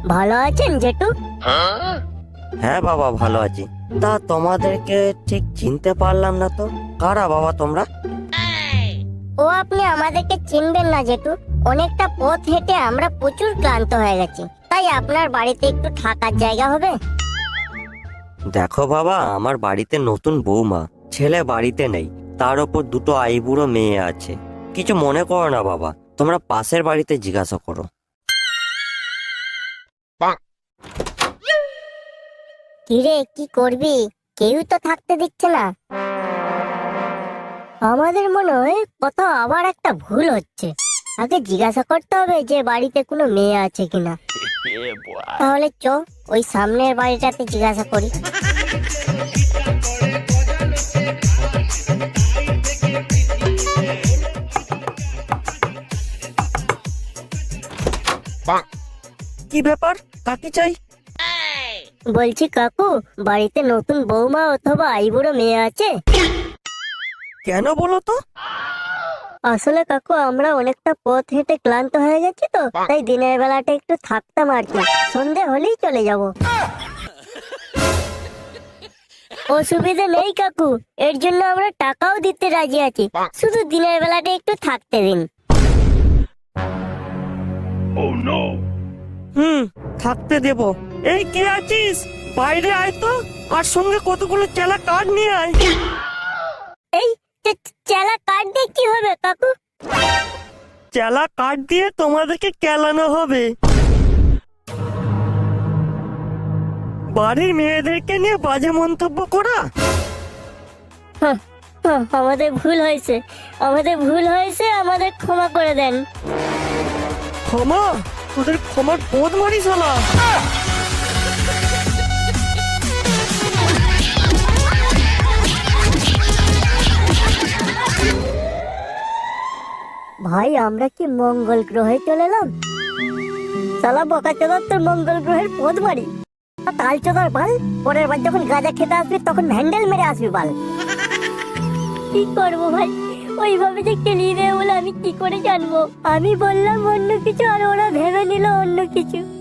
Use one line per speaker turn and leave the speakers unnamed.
ভালো আছেন জেঠু?
হ্যাঁ বাবা, ভালো আছি। তা তোমাদেরকে ঠিক চিনতে পারলাম না তো, কারা বাবা তোমরা?
ও আপনি আমাদেরকে চিনবেন না জেঠু, অনেকটা পথ হেঁটে আমরা প্রচুর ক্লান্ত হয়ে গেছি, তাই আপনার বাড়িতে একটু থাকার জায়গা হবে?
দেখো বাবা, আমার বাড়িতে নতুন বৌমা, ছেলে বাড়িতে নেই, তার ওপর দুটো আইবুড়ো মেয়ে আছে। কিছু মনে করো না বাবা, তোমরা পাশের বাড়িতে জিজ্ঞাসা করো।
কিরে, কি করবি? কেউ তো থাকতে দিচ্ছে না। আমাদের মনে হয় কোথাও আবার একটা ভুল হচ্ছে। আগে জিজ্ঞাসা করতে হবে যে বাড়িতে কোনো মেয়ে আছে কিনা। তাহলে চ, ওই সামনের বাড়িটাতে জিজ্ঞাসা করি।
কি ব্যাপার, কাকে চাই?
বলছি কাকু, বাড়িতে নতুন বৌমা অথবা আইবুড়ো মেয়ে আছে?
কেন বলো তো?
আসলে কাকু, আমরা অনেকটা পথ হেঁটে ক্লান্ত হয়ে গেছি তো, তাই দিনের বেলাটা একটু থাকতাম আর কি, সন্ধে হলেই চলে যাব। অসুবিধা নেই কাকু, এর জন্য আমরা টাকাও দিতে রাজি আছি, শুধু দিনের বেলাটা একটু থাকতে দিন।
থাকতে দেব। এই কে আছিস, বাইরে আয় তো, আর সঙ্গে কতগুলো চেলা কাঠ নিয়ে আয়।
এই চেলা কার্ড দিয়ে কি হবে কাকু?
চেলা কাঠ দিয়ে তোমাদেরকে কেলানো হবে। বাড়ির মেয়েদেরকে নিয়ে বাজে মন্তব্য করা।
আমাদের ভুল হয়েছে, আমাদের ক্ষমা করে দেন।
ক্ষমা? তোদের ক্ষমার বোধ মারি শালা।
ভাই, আমরা কি মঙ্গল গ্রহে চলে এলাম? শালা বোকা চোদা, তোর মঙ্গল গ্রহের পথ মারি। কাল চোদার বাল, পরের বার যখন গাঁজা খেতে আসবি তখন হ্যান্ডেল মেরে আসবি বাল। কি করবো ভাই, ওইভাবে যে কেলিয়ে দেবে বলে আমি কি করে জানবো? আমি বললাম অন্য কিছু আর ওরা ভেবে নিল অন্য কিছু।